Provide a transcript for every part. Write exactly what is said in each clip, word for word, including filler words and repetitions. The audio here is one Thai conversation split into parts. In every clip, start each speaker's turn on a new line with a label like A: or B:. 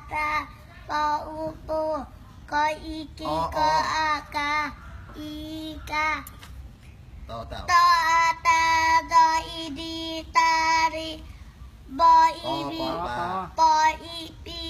A: ตาปออูปูกออีกีกออากาอีกา
B: ต่อเต่า
A: ตออาตาดออีดีตาริบออีบีปออีปี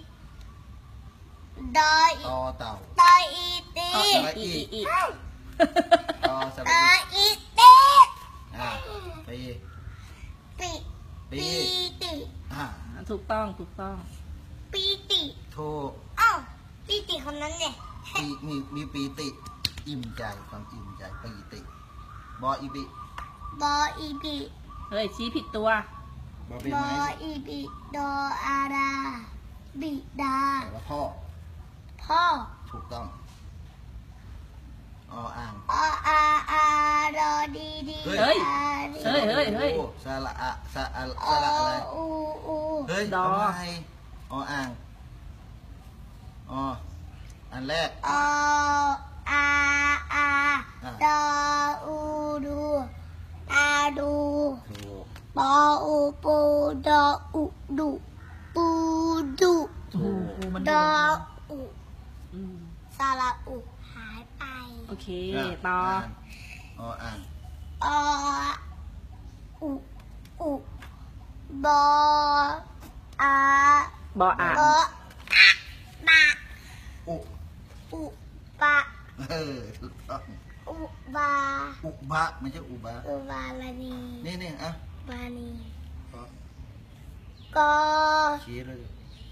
A: ดออี
B: ต่อเต่า
A: ตออีตี
B: อีอีต่อส
A: ต
B: ระ
A: อ
B: อี
A: อีตี
B: อ่าปี
A: ปีปีติ
B: อ่า
C: ถูกต้องถูกต้อง
A: ปีติ
B: ถูก
A: อ้าวปีติคนนั้นเนี่ย
B: ปีมีมีปีติอิ่มใจความอิ่มใจปีติบออีบี
A: บออีบี
C: เฮ้ยชี้ผิดตัว
B: บอเป็น
A: บอ
B: ไม้
A: อีบีดออาดาบิดา
B: แปลว่าพ่อ
A: พ่อ
B: ถูกต้องออ่าง
A: ออาอาดอดีดี
C: เฮ้ยเฮ้ยเฮ้ยเฮ้ย
B: สระอะสระอะสระอะไร
A: อูอู
B: เฮ้ย
C: ดอ
B: ทำไมออ่างออันแรก
A: ออาอาดออูดูตาดู
B: ถูก
A: ปออูปูดออุดุปูดุ
C: ถูกมัน
A: ดออุ
C: อืม
A: สระอุหายไป
C: โอเคต่อ
B: ออ่าง
A: ออุอุบออา
C: บออ่าง
A: บออะบะ
B: อุ
A: อุบะ
B: เออถูกต้อง
A: อุบา
B: อุบะไม่ใช่อุบะ
A: อุบาลานี
B: นี่นี่อ่ะ
A: บานี
B: ก็
A: กอ
B: ชี้เลย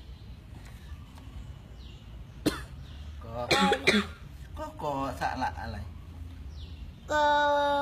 B: ก็ก็กอสระอะไร
A: กอ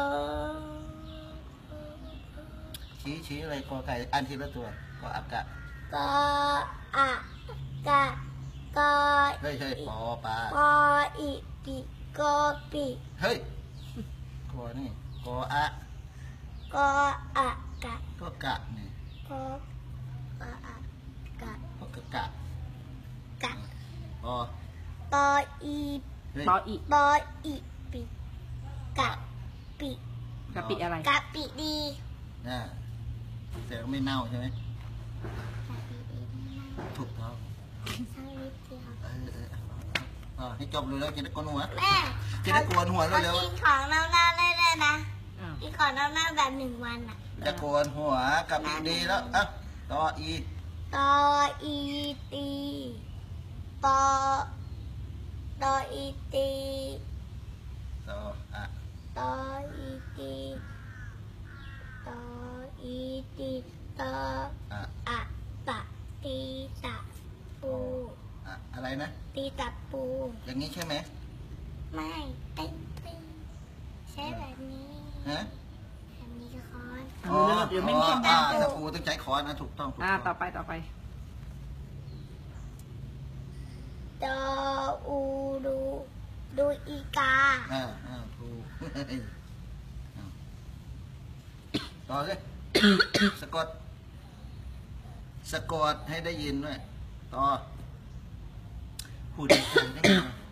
B: ชี้ชี้อะไรกอไก่อันทีละตัวก็อากะ
A: กออะกะกอ
B: เฮ้ยเฮ้ยปอปลา
A: ปออีปีกอปี
B: เฮ้ยกอนี่กออะ
A: กออะกะ
B: ก็กะนี่
A: กออะอะกะ
B: ก็กะกะ
A: กะ
B: ปอ
A: ปออี
B: เฮ้ย
C: บออี
A: ปออีปีกะปิ
C: กะปิอะไร
A: กะปิดี
B: น่ะแต่ก็ไม่เน่าใช่ไหม
A: กะปิดี
B: ถูกต้อง
A: สักนิดเดียว
B: เออเออเออให้จบเลยแล้วจะได้โกนหัว
A: แม่
B: จะได้โกนหัว
A: เขา
B: เร็ว
A: กินของเน่าๆได้เลยนะ
C: อ้าว
A: กินของเน่าๆแบบหนึ่งวันอ่ะ
B: ๆจะโกนหัวกับอีดีแล้วอ่ะต่ออี
A: ตออีตีปอตออีตี
B: ต่ออ่ะ
A: ตออีตีตออีตีตอ
B: อ่ะ
A: อะตะตีตะปู
B: อ่ะอะไรนะ
A: ตีตะปู
B: อย่างนี้ใช่ไหม
A: ไม่เต้นเต้นใช้แบบนี้
B: ฮะ
A: แบบนี้ก็คอน
C: อ๋อเดี๋ยวไม่มี
B: อ่าตะปูต้องใช้ค้อนนะถูกต้องถูก
C: อ่า
B: ต้
C: ต่
B: อ
C: อง ไปต่อไป
A: ดออูดูดูอีกา
B: อ่าอ่าถูกอ่าต่อเลยสะกดสะกดให้ได้ยินด้วยต่อพูดดีๆได้ไหม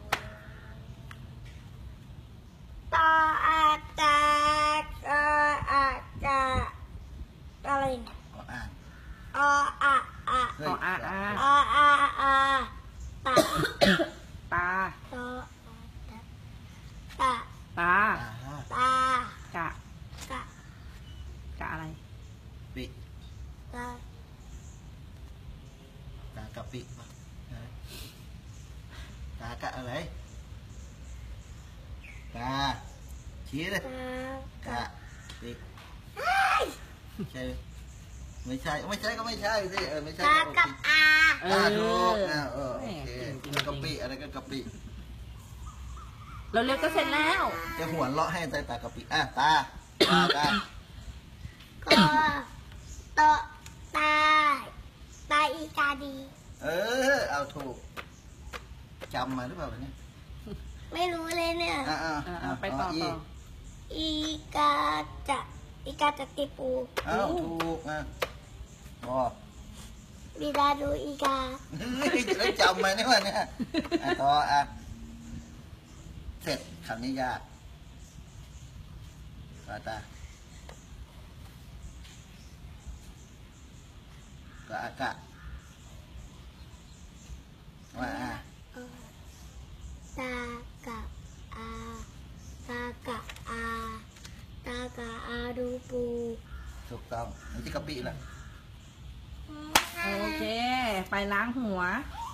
A: ตออาจาตออาจาอะไรเนี่ย
B: ก็อ่าน
A: ออะอะ
B: เฮ้ย
C: ออ่าอ่า
A: ออาอาตะ
C: ตา
A: ตอตะ
C: ตา
B: อ่า
A: ตาก
C: ะ
A: กะ
C: กะอะไร
B: ปิ
A: กะ
B: กากะปิปะกากะอะไรกาชี้เลย
A: กะ
B: กะปิใช่ไหมไม่ใช่ไม่ใช่ก็ไม่ใช่สิเออไม่ใช่
A: กะ
B: ก็
A: กับอา
C: เอ
B: อ่า
C: อ
B: ถูกอ่าเออโอเค
C: จริงๆ
B: กะปิอะไรก็กะปิ
C: เราเร็วก็เสร็จแล้ว
B: จะหัวเราะให้ใส่ตากะปิอ่ะตาตาตา
A: กอตอตาตาอีกาดี
B: เออเอาถูกจำมาหรือเปล่าเนี่ย
A: ไม่รู้เลยเนี่ย
B: อ่าอ่า
C: อ่าไปต่อต่อ
A: อีกาจะอีกาจะติปู
B: เอาถูกอ่ะบอ
A: บิดาดูอีกา
B: จะได้จำมาเนี่ยวันเนี่ยอ่ะต่ออ่ะเสร็จคำนี้ยากตาตาก็อากะ
A: กาอาดูปู
B: ถูกต้องนี่ที่กะปิแหละ
C: โอเค ไปล้างหัว
A: อ